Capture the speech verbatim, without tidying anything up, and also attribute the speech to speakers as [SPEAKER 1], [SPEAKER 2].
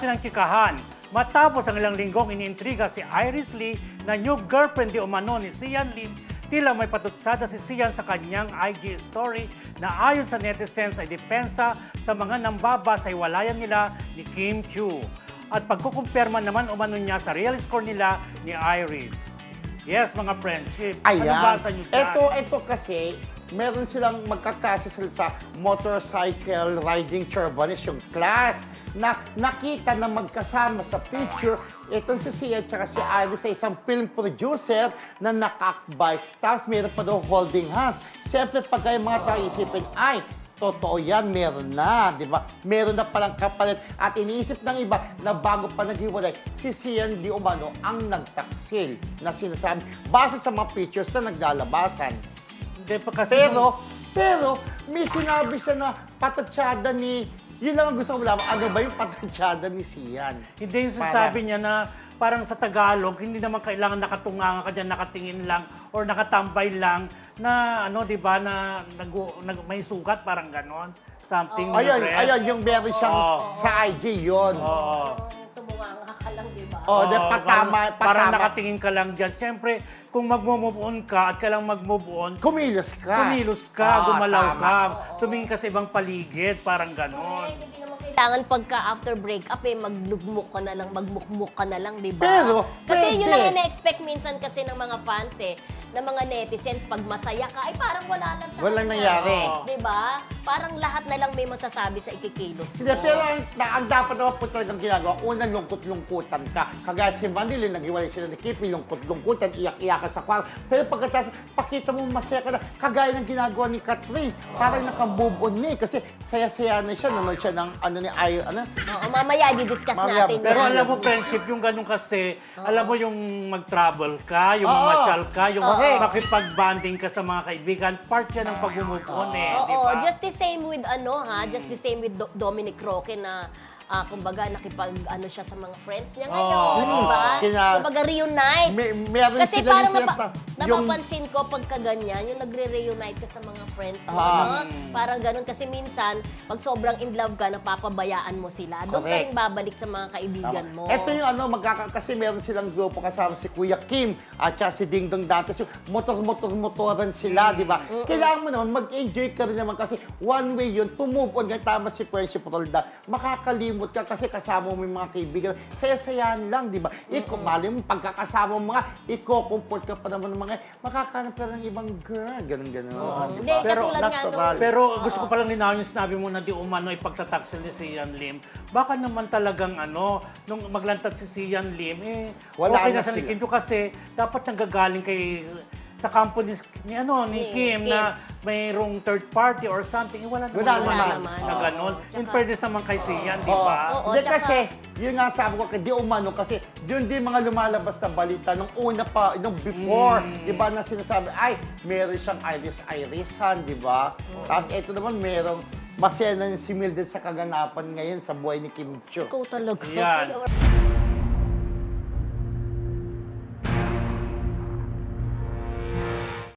[SPEAKER 1] ng tsikahan. Matapos ang ilang linggong iniintriga si Iris Lee na new girlfriend di umano ni Sian Lim, tila may patutsada si Sian sa kanyang I G story na ayon sa netizens ay depensa sa mga nambaba sa hiwalayan nila ni Kim Chiu. At pagkukumpirma naman umano niya sa real score nila ni Iris. Yes, mga friendship.
[SPEAKER 2] Ayan.
[SPEAKER 1] Ano ba sa inyo dyan?
[SPEAKER 2] Ito, ito kasi, meron silang magkakasasal sa motorcycle riding turbanes, yung class, na nakita na magkasama sa picture itong si Sia at si Iris sa isang film producer na nakakbay. Tapos meron pa daw holding hands. Siyempre, pag kayo mga tao isipin, ay, totoo yan, meron na, di ba? Meron na palang kapalit. At iniisip ng iba na bago pa naghiwalay, si Sian Di Umano ang nagtaksil na sinasabi base sa mga pictures na naglalabasan.
[SPEAKER 1] Hindi pa kasi
[SPEAKER 2] Pero, pero, may sinabi siya na patatsyada ni, yun lang ang gusto ko malaman, ano ba yung patatsyada ni Sian?
[SPEAKER 1] Hindi yung sasabi niya na parang sa Tagalog, hindi naman kailangan nakatunga ka dyan, nakatingin lang or nakatambay lang na ano, di ba, na nag, nag, may sugat, parang ganon. Something.
[SPEAKER 2] Oh. Ayun,
[SPEAKER 1] red.
[SPEAKER 2] ayun, yung meron siyang
[SPEAKER 1] Oh.
[SPEAKER 2] sa I G yun.
[SPEAKER 1] Oo.
[SPEAKER 3] Tumunganga ka lang, di ba?
[SPEAKER 2] Oh, de,
[SPEAKER 1] Oo,
[SPEAKER 2] patama,
[SPEAKER 1] parang, parang
[SPEAKER 2] patama.
[SPEAKER 1] nakatingin ka lang dyan. Siyempre, kung mag-move on ka at kailangan mag-move on,
[SPEAKER 2] Kumilos ka.
[SPEAKER 1] kumilos ka,
[SPEAKER 2] Ah,
[SPEAKER 1] gumalaw
[SPEAKER 2] tama.
[SPEAKER 1] ka, tumingin ka sa ibang paligid, parang ganon.
[SPEAKER 3] Eh, hindi naman kailangan pagka after breakup eh, maglugmok ka na lang, magmukmuk ka na lang, di ba?
[SPEAKER 2] Pero,
[SPEAKER 3] kasi
[SPEAKER 2] pwede.
[SPEAKER 3] yun ang ina-expect minsan kasi ng mga fans eh, ng mga netizens, pag masaya ka, ay parang wala lang sa
[SPEAKER 2] Walang
[SPEAKER 3] kanya.
[SPEAKER 2] nangyari.
[SPEAKER 3] Di ba? Parang lahat na lang may masasabi sa ikikilos mo.
[SPEAKER 2] Hindi, pero ang, na, ang dapat naman po talagang ginagawa, una, lungkot-lungkutan ka. Kagaya si Manila, naghiwalay sila ni Kipi, lungkot-lungkutan, iyak-iyakan sa kwarto. Pero pagkatapos, pakita mo masaya ka na, kagaya ng ginagawa ni Catherine. Parang naka-move on na eh, kasi saya-saya na siya, nanood siya ng ano ni Ay, ano?
[SPEAKER 3] Oo, mamaya i-discuss
[SPEAKER 2] Mamaya,
[SPEAKER 3] natin
[SPEAKER 1] Pero
[SPEAKER 3] yan.
[SPEAKER 1] alam mo, friendship, yung ganun kasi, alam mo yung mag-travel ka, yung
[SPEAKER 2] Oo.
[SPEAKER 1] mamasyal ka, yung
[SPEAKER 2] Correct.
[SPEAKER 1] makipag-bonding ka sa mga kaibigan, part yan ng pag-move on eh, di
[SPEAKER 3] Oo,
[SPEAKER 1] ba?
[SPEAKER 3] just the same with ano ha, just the same with Do- Dominic Roque na ah, kumbaga nakipag ano siya sa mga friends niya ngayon,
[SPEAKER 1] Oo.
[SPEAKER 3] di ba?
[SPEAKER 2] Kina-
[SPEAKER 3] Kumbaga reunite.
[SPEAKER 2] May, meron
[SPEAKER 3] Kasi
[SPEAKER 2] sila
[SPEAKER 3] parang
[SPEAKER 2] yung
[SPEAKER 3] napa-
[SPEAKER 2] pinata- yung-
[SPEAKER 3] napapansin ko pagka ganyan, yung nagre-reunite ka sa mga friends mo,
[SPEAKER 2] Ah.
[SPEAKER 3] no? Parang ganun. Kasi minsan, pag sobrang in love ka, napapabayaan mo sila. Doon ka
[SPEAKER 2] Correct.
[SPEAKER 3] rin babalik sa mga kaibigan mo.
[SPEAKER 2] Ito yung ano, magkaka kasi meron silang grupo kasama si Kuya Kim at saka si Ding Dong Dantes. Yung motor-motor-motoran sila, di ba? Kailangan mo naman, mag-enjoy ka rin naman kasi one way yun, to move on. Kaya tama si Friendship Rolda, makakalimot ka kasi kasama mo yung mga kaibigan. Saya-sayahan lang, di ba? Iko, mali mo, pagkakasama mo mga, iko-comfort ka pa naman ng mga, makakanap ka ng ibang girl. Ganun-ganun. di
[SPEAKER 3] Hindi,
[SPEAKER 2] ba?
[SPEAKER 1] Pero
[SPEAKER 3] katulad nga
[SPEAKER 2] natural.
[SPEAKER 3] nung-
[SPEAKER 1] Pero gusto ko palang linawin yung sinabi mo na di umano ipagtataksil ni Sian Lim. Baka naman talagang ano, nung maglantad si Sian Lim, eh,
[SPEAKER 2] Wala
[SPEAKER 1] okay
[SPEAKER 2] na
[SPEAKER 1] na sa ni
[SPEAKER 2] sila.
[SPEAKER 1] Kim Chiu kasi dapat nanggagaling kay sa kampo ni, ni, ano, ni
[SPEAKER 3] Ni
[SPEAKER 1] Kim,
[SPEAKER 3] Kim.
[SPEAKER 1] na mayroong third party or something. Eh, wala naman.
[SPEAKER 2] Wala
[SPEAKER 1] naman
[SPEAKER 3] naman.
[SPEAKER 1] Na
[SPEAKER 3] Oo.
[SPEAKER 1] ganun. In
[SPEAKER 3] Tsaka-
[SPEAKER 1] fairness naman kay Sian, di
[SPEAKER 2] Oo.
[SPEAKER 1] ba?
[SPEAKER 3] Oo,
[SPEAKER 2] Hindi
[SPEAKER 3] tsaka-
[SPEAKER 2] kasi, yun nga sabi ko, di umano kasi yun din mga lumalabas na balita nung una pa, nung before,
[SPEAKER 1] Mm.
[SPEAKER 2] di ba, na sinasabi, ay, meron siyang Iris-Irisan, di ba? Tapos ito naman, merong masaya na si Mildred sa kaganapan ngayon sa buhay ni Kim Chiu.
[SPEAKER 3] Ikaw talaga.
[SPEAKER 1] Yan.